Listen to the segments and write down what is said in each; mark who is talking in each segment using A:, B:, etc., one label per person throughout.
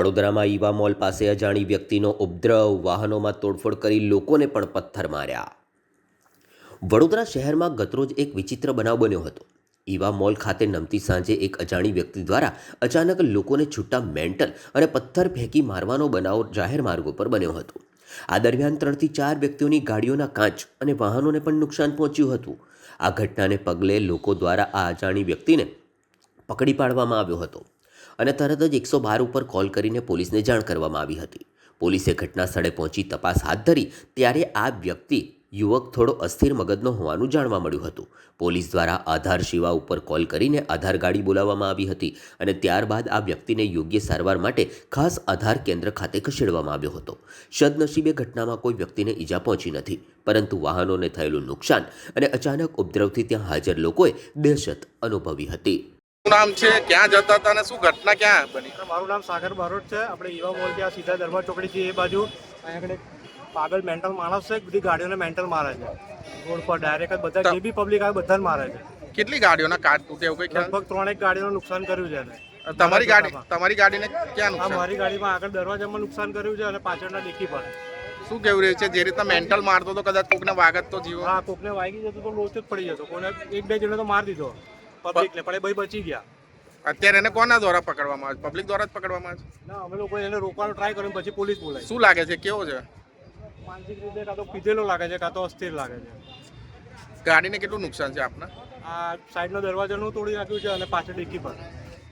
A: વડોદરામાં Eva mall પાસે અજાણી વ્યક્તિનો ઉપદ્રવ, વાહનોમાં તોડફોડ કરી લોકોને પણ પથ્થર માર્યા. વડોદરા શહેરમાં ગતરોજ એક વિચિત્ર બનાવ બન્યો હતો. ઈવા મોલ ખાતે નમતી સાંજે એક અજાણી વ્યક્તિ દ્વારા અચાનક લોકોને છૂટા મેન્ટલ અને પથ્થર ફેંકી મારવાનો બનાવ જાહેર માર્ગો પર બન્યો હતો. આ દરમિયાન 3 થી 4 વ્યક્તિઓની ગાડીઓના કાચ અને વાહનોને પણ નુકસાન પહોંચ્યું હતું. આ ઘટનાને પગલે લોકો દ્વારા આ અજાણી વ્યક્તિને પકડી પાડવામાં આવ્યો હતો અને તરત જ 112 ઉપર કોલ કરીને પોલીસને જાણ કરવામાં આવી હતી. પોલીસે ઘટના સ્થળે પહોંચી તપાસ હાથ ધરી ત્યારે આ વ્યક્તિ યુવક થોડો અસ્થિર મગજનો હોવાનું જાણવા મળ્યું હતું. પોલીસ દ્વારા આધાર સેવા ઉપર કોલ કરીને આધાર ગાડી બોલાવવામાં આવી હતી અને ત્યારબાદ આ વ્યક્તિને યોગ્ય સારવાર માટે ખાસ આધાર કેન્દ્ર ખાતે ખસેડવામાં આવ્યો હતો. સદનસીબે ઘટનામાં કોઈ વ્યક્તિને ઈજા પહોંચી નથી, પરંતુ વાહનોને થયેલું નુકસાન અને અચાનક ઉપદ્રવથી ત્યાં હાજર લોકોએ દહેશત અનુભવી હતી.
B: નામ છે, ક્યાં જતા હતા અને શું ઘટના ક્યાં બની?
C: મારું નામ સાગર બારોટ છે. આપણે ઈવા મોલ ત્યાં સીધા દરબાર ચોકડી છે એ બાજુ અહીંયા આગળ પાગલ મેન્ટલ માણસ છે, બધી ગાડીઓને મેન્ટલ મારે છે રોડ પર ડાયરેક્ટ જ. બધા જે બી પબ્લિક આવે બધાને મારે છે.
B: કેટલી ગાડીઓના કાચ તૂટે એવું કઈ ખ્યાલ?
C: લગભગ 3 ગાડીઓનું નુકસાન કર્યું છે.
B: તમારી ગાડીને ક્યાં નુકસાન?
C: મારી ગાડીમાં આગળ દરવાજામાં નુકસાન કર્યું છે અને પાછળના ડિક્કી પર.
B: શું કેવું રહ્યું છે? જે રીતના મેન્ટલ મારતો તો કદાચ કોકને વાગત તો જીવો.
C: હા, કોકને વાગી જતો તો લોચો જ પડી જતો. કોને 1-2 જણને તો મારી દીધો પબ્લિકને, પણ એ ભાઈ બચી ગયા.
B: અત્યારે એને કોના દ્વારા પકડવામાં આવે? પબ્લિક દ્વારા જ પકડવામાં આવે છે?
C: ના, અમે લોકો એને રોકવાનો ટ્રાય કર્યો, પછી પોલીસ બોલાવી.
B: શું લાગે છે, કેવો છે?
C: માનસિક રીતે કાં તો પીધેલો લાગે છે, કાં તો અસ્થિર લાગે છે.
B: ગાડીને કેટલું નુકસાન છે આપના?
C: આ સાઈડનો દરવાજાનું તોડી નાખ્યું છે અને પાછળ ડિક્કી પર.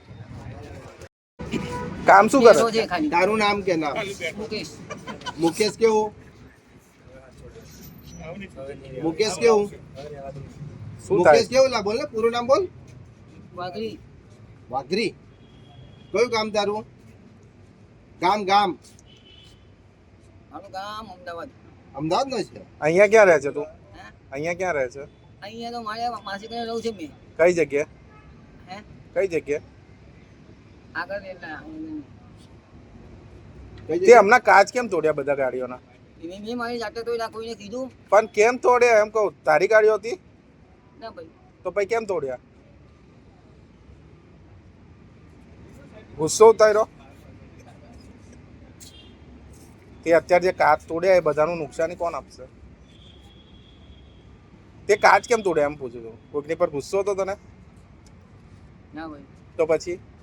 B: કામ શું કરે?
D: તારું નામ કે નામ? મુકેશ કેવું? મુકેશ કેવું? મુકેશ કેવું લા બોલ ને, પૂરું નામ બોલ.
E: વાઘરી.
D: વાઘરી. કયું ગામ તારું? ગામ ગામ
E: મારું ગામ અમદાવાદ.
D: અમદાવાદ નો છે?
B: અહીંયા ક્યાં રહે છે તું? અહીંયા ક્યાં રહે છે?
E: અહીંયા તો મારે માસી ઘરે રહું છું મેં.
B: કઈ જગ્યાએ?
E: હે?
B: કઈ જગ્યાએ?
E: આગળ રહેતા
B: તે હમણાં કાચ કેમ તોડ્યા બધા ગાડીઓના?
E: મેં મારી જાતે તો ના કોઈને કીધું
B: પણ કેમ તોડ્યા એમ કહું? તારી ગાડીઓ હતી?
E: ના ભાઈ.
B: તો પછી કેમ તોડ્યા? ગુસ્સો ઉતાર્યો? તે અત્યારે જે કાચ તોડ્યા એ બધાનું નુકસાની કોણ આપશે? તે કાચ કેમ તોડ્યા એમ પૂછું છું. કોઈકની પર ગુસ્સો હતો તને?
E: ના ભાઈ.
B: તો પછી